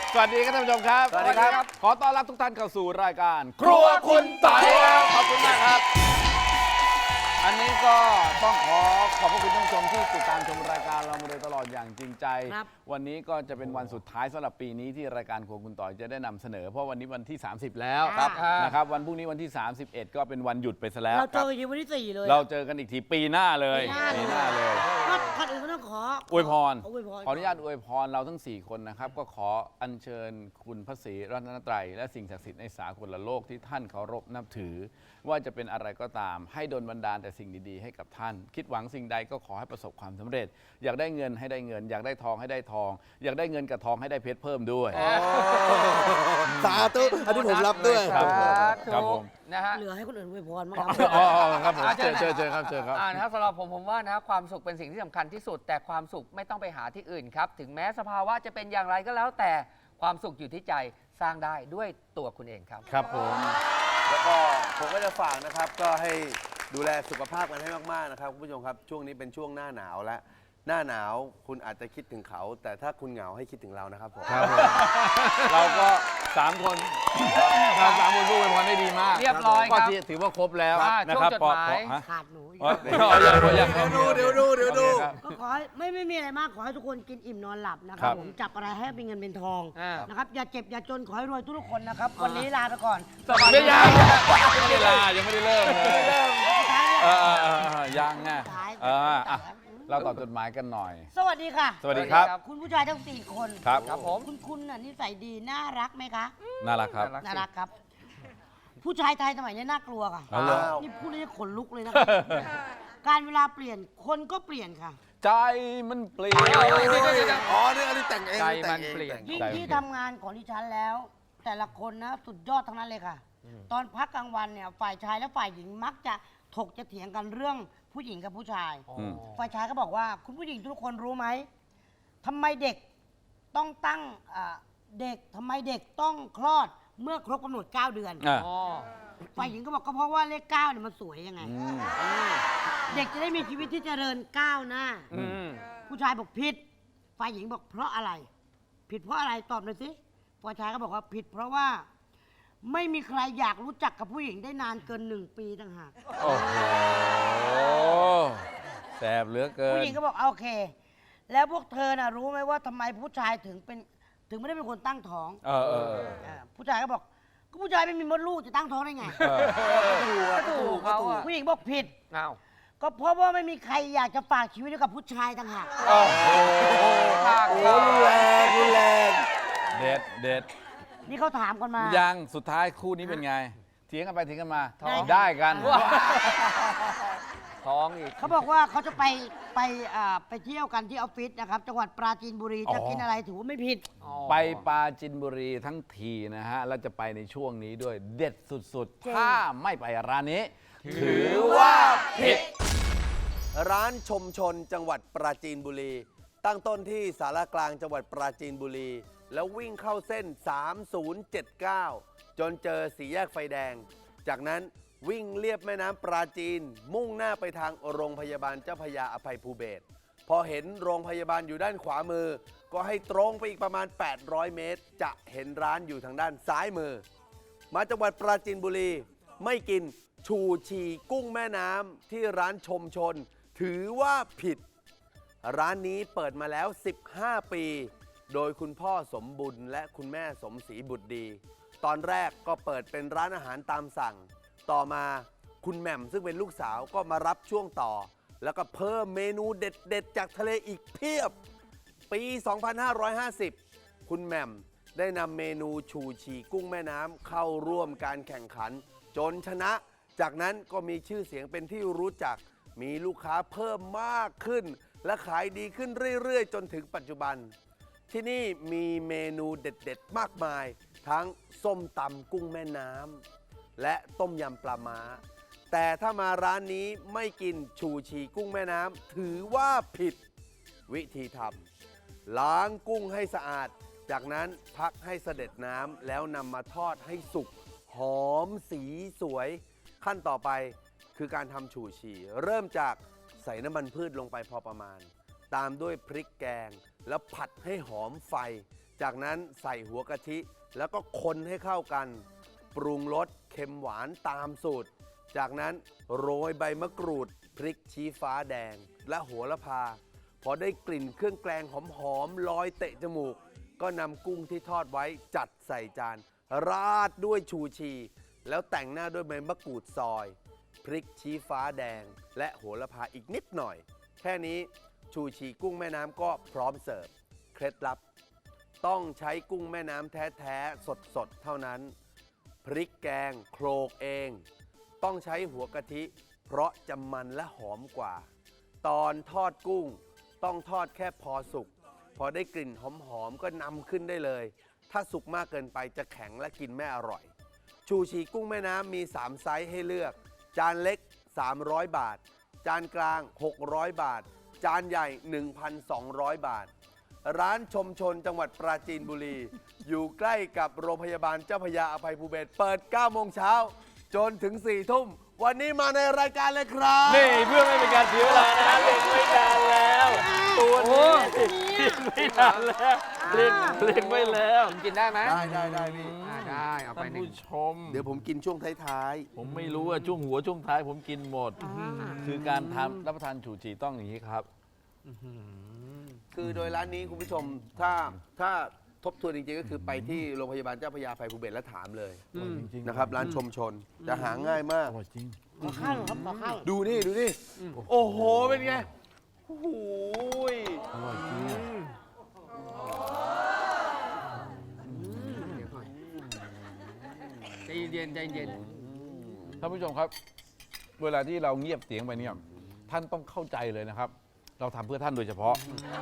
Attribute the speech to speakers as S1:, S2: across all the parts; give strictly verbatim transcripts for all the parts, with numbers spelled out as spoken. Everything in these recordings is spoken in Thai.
S1: สวัสดีครับท่านผู้ชมครับ
S2: สวัสดีครับ
S1: ขอต้อนรับทุกท่านเข้าสู่รายการ
S2: ครัวคุณต่อยครับ
S1: ขอบคุณมากครับ อันนี้ก็ต้องขอขอบพระคุณท่านผู้ชมที่ติดตามชมรายการเรามาโดยตลอดอย่างจริงใจ วันนี้ก็จะเป็นวันสุดท้ายสำหรับปีนี้ที่รายการครัวคุณต่อยจะได้นำเสนอ เพราะวันนี้วันที่ สามสิบ แล้ว
S2: ครับ
S1: นะครับวันพรุ่งนี้วันที่ สามสิบเอ็ด ก็เป็นวันหยุดไปซะแล้ว
S3: เราเจอกันวันที่สี่เลย
S1: เราเจอกันอีกทีปีหน้าเลย
S3: ปี
S1: ปี
S3: ห
S1: ห
S3: น้า
S1: น้าเลย
S3: ก็ก่อนอื่นก็ต้องขอ
S1: อวยพร
S3: อวยพร
S1: ขออนุญาตอวยพรเราทั้ง สี่ คนนะครับ ก็ขออัญเชิญคุณพระศรีรัตนตรัยและสิ่งศักดิ์สิทธิ์ในสากลโลกที่ท่านเคารพนับถือ ว่าจะเป็นอะไรก็ตาม ให้ดลบันดาลแต่สิ่งดีๆให้กับท่าน คิดหวังสิ่งใดก็ขอให้ประสบความสำเร็จ อยากได้เงินให้ได้เงิน อยากได้ทองให้ได้ทอง อยากได้เงินกับทองให้ได้เพชรเพิ่มด้วย
S2: สาธุอันนี้ผมรับด้วย
S1: ครับผม
S4: ถู
S1: ครับผ
S4: ก
S1: ม
S4: นะฮะ
S3: เหลือให้คนอื่นอวยพรมางครับ
S1: อ๋ออ๋อครับผม
S4: อ่า
S1: เชิญเชิญเชิญครับเชิญครับ
S4: อ่านะครับสำหรับผมผมว่านะความสุขเป็นสิ่งที่สำคัญที่สุด แต่ความสุขไม่ต้องไปหาที่อื่นครับ ถึงแม้สภาวะจะเป็นอย่างไรก็แล้วแต่ความสุขอยู่ที่ใจสร้างได้ด้วยตัวคุณเองครับ
S1: ครับผม
S2: แล้วก็ผมก็จะฝากนะครับ ก็ให้ดูแลสุขภาพกันให้มากๆนะครับคุณผู้ชมครับช่วงนี้เป็นช่วงหน้าหนาวแล้วหน้าหนาวคุณอาจจะคิดถึงเขา แต่ถ้าคุณเหงาให้คิดถึงเรานะครับผม
S1: ครับผมเราก็สามคนเราสามคนพูดอวยพรได้ดีมาก
S4: เรียบร้อยครับ
S1: ก็ถือว่าครบแล้ว
S4: อ่า
S1: นะครับ
S4: ช่วงจดหมาย
S1: ฮะ
S3: ขาดหนู
S1: อ๋อเดี๋ยวเดี๋ยวเดี๋ยว
S2: เดี๋ยวดูเดี๋ยวดูเดี๋ยวดู
S1: โอเคครับ
S3: ก็ขอให้ไม่ไม่มีอะไรมาก ขอให้ทุกคนกินอิ่มนอนหลับนะค
S1: ครั
S3: รับบ ผมจับอะไรให้เป็นเงินเป็นทอง
S4: อ่าน
S3: นะครับอย่าเจ็บอย่าจนขอให้รวยทุกๆคนนะครับวันนี้ลาไปก่อน
S1: ไม่ยังยังไม่ได้ลายังไม่ได้เริ่มเลยเออเออเออเออยังไงเอออ่ะเราตอบจดหมายกันหน่อย
S3: สวัสดีค่ะ
S1: สวัสดีครับ
S3: คุณผู้ชายทั้งสี่คน
S1: ครับ
S4: ครับผม
S3: คุณคุณน่ะนิสัยดีน่ารักไหมคะ
S1: น่ารักครับ
S3: น่ารักครับ ผู้ชายไทยสมัยนี้น่ากลัวค่ะ
S1: เอาเลย
S3: นี่พูดแล้วจะขนลุกเลยนะครับการเวลาเปลี่ยนคนก็เปลี่ยนค่ะ
S1: ใจมันเปลี่ยน
S2: อ๋อนี่อันนี้แต่งเอง
S4: ใจ
S2: แต่
S4: มั
S2: ง
S4: น
S2: เอง
S4: เปลี่ยน
S2: แต่ง
S3: ยิ่ง
S1: ใจ
S3: ที่ทำงานของดิฉันแล้ว แต่ละคนนะสุดยอดทั้งนั้นเลยค่ะ ตอนพักกลางวันเนี่ยฝ่ายชายและฝ่ายหญิงมักจะถกจะเถียงกันเรื่องผู้หญิงกับผู้ชาย
S1: อืม
S3: ฝ่ายชายก็บอกว่าคุณผู้หญิงทุกคนรู้ไหมทำไมเด็กต้องตั้งอ่าเด็กทำไมเด็กต้องคลอดเมื่อครบกำหนดเก้าเดือน
S1: อ่ะ
S4: อ๋อ
S3: ฝ่ายหญิงก็บอกก็เพราะว่าเลขเก้าเนี่ยมันสวยยังไง
S1: อืม
S3: เด็กจะได้มีชีวิตที่เจริญก้าวหน้า
S4: อืม
S3: ผู้ชายบอกผิด ฝ่ายหญิงบอกเพราะอะไร ผิดเพราะอะไรตอบหน่อยสิ ฝ่ายชายก็บอกว่าผิด เพราะว่าไม่มีใครอยากรู้จักกับผู้หญิงได้นานเกินหนึ่งปีต่างหาก
S1: โอ้โหแสบเหลือเกิน
S3: ผู้หญิงก็บอกโอเค แล้วพวกเธอน่ะรู้ไหมว่าทำไมผู้ชายถึงเป็นถึงไม่ได้เป็นคนตั้งท้อง
S1: เออเออเออ
S3: เออผู้ชายก็บอกก็ผู้ชายไม่มีมดลูกจะตั้งท้องได้ไง
S1: เออ
S4: ก็ถูกเขาอะ
S3: ผู้หญิงบอกผิด
S4: อ้าว
S3: ก็เพราะว่าไม่มีใครอยากจะฝากชีวิตไว้กับผู้ชายต่างหาก
S1: โอ้โห
S4: ภาค
S2: โอ้รุนแรงรุนแรง
S1: เด็ดเด็ด
S3: นี่เขาถามกันมา
S1: ยังสุดท้ายคู่นี้เป็นไง เถียงกันไปเถียงกันมา
S3: ได้
S1: ได้กัน
S4: ท้องอีก
S3: เขาบอกว่าเขาจะไปไปอ่าไปเที่ยวกันที่ออฟฟิศนะครับ จังหวัดปราจีนบุรี
S1: อ๋อ
S3: จะกินอะไรถือว่าไม่ผิด
S1: ไปปราจินบุรีทั้งทีนะฮะ แล้วจะไปในช่วงนี้ด้วยเด็ดสุด
S3: จริง
S1: ๆ ถ้าไม่ไปร้านนี้ ถือว่าผิด
S2: ร้านชมชนจังหวัดปราจีนบุรี ตั้งต้นที่สารกลางจังหวัดปราจีนบุรี แล้ววิ่งเข้าเส้น สามศูนย์เจ็ดเก้า จนเจอสี่แยกไฟแดง จากนั้นวิ่งเลียบแม่น้ำปราจีน มุ่งหน้าไปทางโรงพยาบาลเจ้าพระยาอภัยภูเบศรพอเห็นโรงพยาบาลอยู่ด้านขวามือ ก็ให้ตรงไปอีกประมาณ แปดร้อยเมตร จะเห็นร้านอยู่ทางด้านซ้ายมือ มาจังหวัดปราจีนบุรี ไม่กินชูชีกุ้งแม่น้ำที่ร้านชมชน ถือว่าผิด ร้านนี้เปิดมาแล้ว สิบห้า ปี โดยคุณพ่อสมบุญและคุณแม่สมศรีบุตรดี ตอนแรกก็เปิดเป็นร้านอาหารตามสั่ง ต่อมาคุณแหม่มซึ่งเป็นลูกสาวก็มารับช่วงต่อ แล้วก็เพิ่มเมนูเด็ดๆ จากทะเลอีกเพียบ ปี สองพันห้าร้อยห้าสิบ คุณแหม่มได้นำเมนูชูชีกุ้งแม่น้ำเข้าร่วมการแข่งขัน จนชนะ จากนั้นก็มีชื่อเสียงเป็นที่รู้จัก มีลูกค้าเพิ่มมากขึ้น และขายดีขึ้นเรื่อยๆ จนถึงปัจจุบัน ที่นี่มีเมนูเด็ดๆ มากมาย ทั้งส้มตำกุ้งแม่น้ำและต้มยำปลาม้า แต่ถ้ามาร้านนี้ไม่กินชูชีกุ้งแม่น้ำถือว่าผิด วิธีทำล้างกุ้งให้สะอาด จากนั้นพักให้เสด็จน้ำแล้วนำมาทอดให้สุกหอมสีสวย ขั้นต่อไปคือการทำชูชี เริ่มจากใส่น้ำมันพืชลงไปพอประมาณตามด้วยพริกแกง แล้วผัดให้หอมไฟ จากนั้นใส่หัวกะทิ แล้วก็คนให้เข้ากัน ปรุงรสเค็มหวานตามสูตร จากนั้นโรยใบมะกรูด พริกชี้ฟ้าแดง และโหระพา พอได้กลิ่นเครื่องแกงหอมๆลอยเตะจมูก ก็นำกุ้งที่ทอดไว้จัดใส่จาน ราดด้วยชูชี แล้วแต่งหน้าด้วยใบมะกรูดซอย พริกชี้ฟ้าแดง และโหระพาอีกนิดหน่อย แค่นี้ชูชีกุ้งแม่น้ำก็พร้อมเสิร์ฟ เคล็ดลับ ต้องใช้กุ้งแม่น้ำแท้ๆสดๆเท่านั้น พริกแกงโคลกเอง ต้องใช้หัวกะทิ เพราะจะมันและหอมกว่า ตอนทอดกุ้งต้องทอดแค่พอสุก พอได้กลิ่นหอมๆก็นำขึ้นได้เลย ถ้าสุกมากเกินไปจะแข็งและกินไม่อร่อย ชูชีกุ้งแม่น้ำมีสามไซส์ให้เลือก จานเล็กสามร้อยบาท จานกลางหกร้อยบาท จานใหญ่ หนึ่งพันสองร้อย บาท ร้านชมชนจังหวัดปราจีนบุรี อยู่ใกล้กับโรงพยาบาลเจ้าพระยาอภัยภูเบศรเปิดเก้าโมงเช้าจนถึงสี่ทุ่ม วันนี้มาในรายการเลยครับ
S1: นี่เพื่อไม่เป็นการเสียเวลานะฮะเล่นไม่นานแล้ว ตัวนี้เล่นไม่นานแล้วเล่นเล่นไม่แล้ว
S4: กินได้ไหม
S2: ได้ได้ได้พี่
S4: อ่าได้เอาไป
S1: ท่าน
S4: หนึ่ง
S1: ผู้ชม
S2: เดี๋ยวผมกินช่วงท้าย
S1: ผมไม่รู้ว่าช่วงหัวช่วงท้ายผมกินหมด คือการทำรับประทานฉูฉีต้องอย่างนี้ครับ
S2: ๆ คือโดยร้านนี้คุณผู้ชมถ้าถ้าทบทวนจริงๆ ก็คือไปที่โรงพยาบาลเจ้าพระยาอภัยภูเบศรแล้วถามเลย
S1: อร่อยจริงๆ
S2: นะครับ ร้านชมชนจะหาง่ายมาก
S1: อร่อยจริง
S3: ขอข้าวหน่อยครับขอข้าว
S2: ดูนี่ ดูนี่ โอ้โห เป็นไง โอ้โห
S1: อร่อยจริง
S4: ใจเย็นใจเย็น
S1: ท่านผู้ชมครับ เวลาที่เราเงียบเสียงไปเนี่ยท่านต้องเข้าใจเลยนะครับ เราทำเพื่อท่านโดยเฉพาะ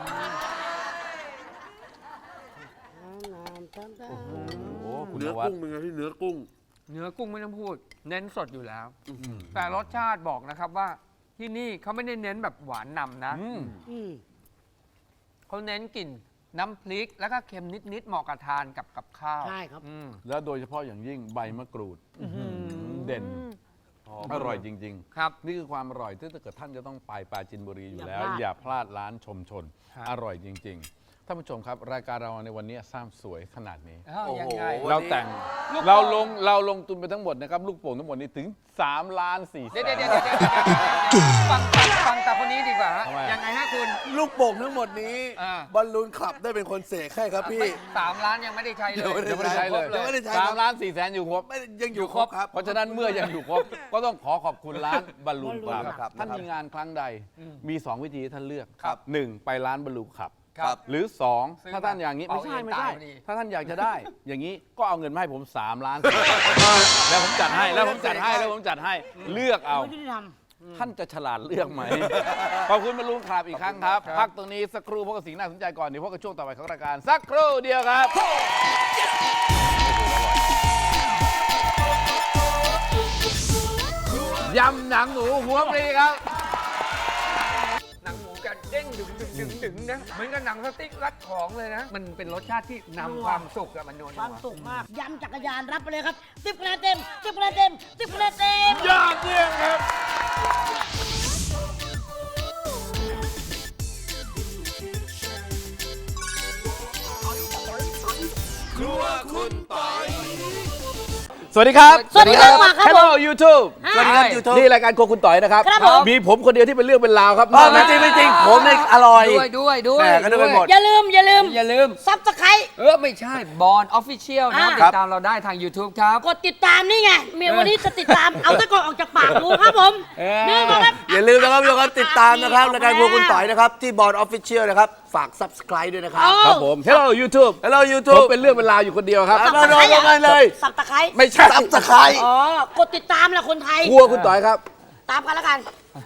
S1: โอ้โหคุณ
S2: เนื้อน
S1: วัด
S2: กุ้งเป็นไงพี่เนื้อกุ้ง
S4: เนื้อกุ้งไม่ต้องพูด เน้นสดอยู่แล้ว แต่รสชาติบอกนะครับว่าที่นี่เขาไม่ได้เน้นแบบหวานนำนะ
S1: อืม
S3: อืม
S4: เขาเน้นกลิ่นน้ำพริกแล้วก็เค็มนิดๆเหมาะกับทานกับกับข้าว
S3: ใช่ครับ
S4: อืม
S1: แล้วโดยเฉพาะอย่างยิ่งใบมะกรูดเด่น อร่อยจริง
S4: ครับ
S1: ๆ นี่คือความอร่อยที่ถ้าเกิดท่านจะต้องไปปราจีนบุรีอยู่แล้ว
S3: อ
S1: อย่
S3: า
S1: ย่า
S3: พ
S1: พ
S3: ลา
S1: ลา
S3: ด
S1: ดร้านชมชน
S4: ครับ
S1: อร่อยจริง ๆ ท่านผู้ชมครับ รายการเราในวันนี้สร้างสวยขนาดนี้
S4: อ้าว
S2: โอ้โห
S4: ยังไง
S2: วันนี้
S1: เราแต่ง
S4: ลูกโป่ง
S1: เราลงเราลงทุนไปทั้งหมดนะครับ ลูกโป่งทั้งหมดนี้ถึง3ล้าน4แส
S4: เดี๋ยวน เดี๋ยวเดี๋ยวเดี๋ยวเดี๋ยวฟังฟังฟังแต่คนนี้ดีกว่าฮะ
S1: ทำไมอะ
S4: ยังไงฮะคุณ
S2: ลูกโป่งทั้งหมดนี้
S4: อ่า
S2: บอลลูนขับได้เป็นคนเสกให้ครับพี่
S4: ไม่สามล้านยังไม่ได้ใช้เลย
S2: เดี๋ยว
S1: เดี๋ยวไม่ได้ใช้เลย
S2: เดี๋ยวไม่ได้ใช้
S1: สามล้านสี่แสนอยู่ครบ
S2: ไม่ยังอยู่ครบครับ
S1: เพราะฉะนั้นเมื่อยังอยู่ครบ ก็ต้องขอขอบคุณร้านบอลลูนคลับ
S2: ครับ
S1: ท่านมีงานครั้งใด มี สอง วิธีให้ท่านเลือก
S2: ครับ
S1: หนึ่งไปร้านบอลลูนคลับ
S4: ครับ
S1: หรือ สอง
S4: ซื้อ
S1: ถ้าท่านอย่างนี้
S4: เป่า
S1: ไม่ใช่
S4: เอง
S1: ไม่ใช่
S4: ตายพอดี
S1: ถ้าท่านอยากจะได้ อย่างนี้ก็เอาเงินมาให้ผม3ล้านแล้วผมจัดให้แล้วผมจัดให้แล้วผมจัดให้เลือกเอา
S3: ไม่ได้ท
S1: ท่านจะฉลาดเลือกไหม ขอบคุณบอลลูนคลับอีกครั้งครับ พักตรงนี้สักครู่พบกับสิ่งน่าสนใจก่อนเดี๋ยวพบกับช่วงต่อไปของรายการสักครู่เดียวครับ ยำหนังหมูหัวปลีครับ
S4: หนังหมูกันเด้งดึงดึงดึงดึงนะเหมือนกับหนังสติ๊กรัดของเลยนะ มันเป็นรสชาติที่นำความสุขอะมันโนน
S3: ำความสุขมาก ยำจักรยานรับไปเลยครับสิบคะแนนเต็มสิบคะแนนเต็มสิบคะแนนเต็ม
S1: ยอดเยี่ยมครับ สวัสดีครับ
S3: สวัสดีครับมาครับผม
S1: Hello YouTube
S2: สวัสดีครับ YouTube
S1: นี่รายการโครัวคุณต่อยนะครับ
S3: ครับผม
S1: มีผมคนเดียวที่เป็นเรื่องเป็นราวครับ
S2: อ๋อไม่จริงไม่จริง ผมเนี่ยอร่อย
S4: ด้วยด้วยด้วย
S2: แหม่ก็นึกไปหมด
S3: อย่าลืม อย่าลืม
S4: อย่าลืม
S3: ซับสไคร
S4: เออ ไม่ใช่บอลออฟฟิเชียลนะครับ
S3: อ่า
S4: ติดตามเราได้ทาง YouTube ครับ
S3: กดติดตามนี่ไงเมียวันนี้จะติดตาม เอาตะกอนออกจากปากดูครับผม
S4: เออ
S3: นี่นะครับ
S2: อย่าลืมนะครับทุกคนติดตามนะครับรายการพวกคุณต่อยนะครับ ที่บอร์ดออฟฟิเชียลนะครับ ฝาก Subscribe ด้วยนะครับ
S3: เอา
S1: ครับผม Hello YouTube
S2: Hello
S1: ผม
S2: YouTube
S1: เป็นเรื่องเป็นราวอยู่คนเดียวครับ
S2: ครับ มาลงกันเลย
S3: สับตะไคร้
S1: ไม่ใช่
S2: Subscribe
S3: อ๋อ กดติดตามแหละคนไทย
S1: ครัวคุณต่อยครับ
S3: ตามกันแล้วกัน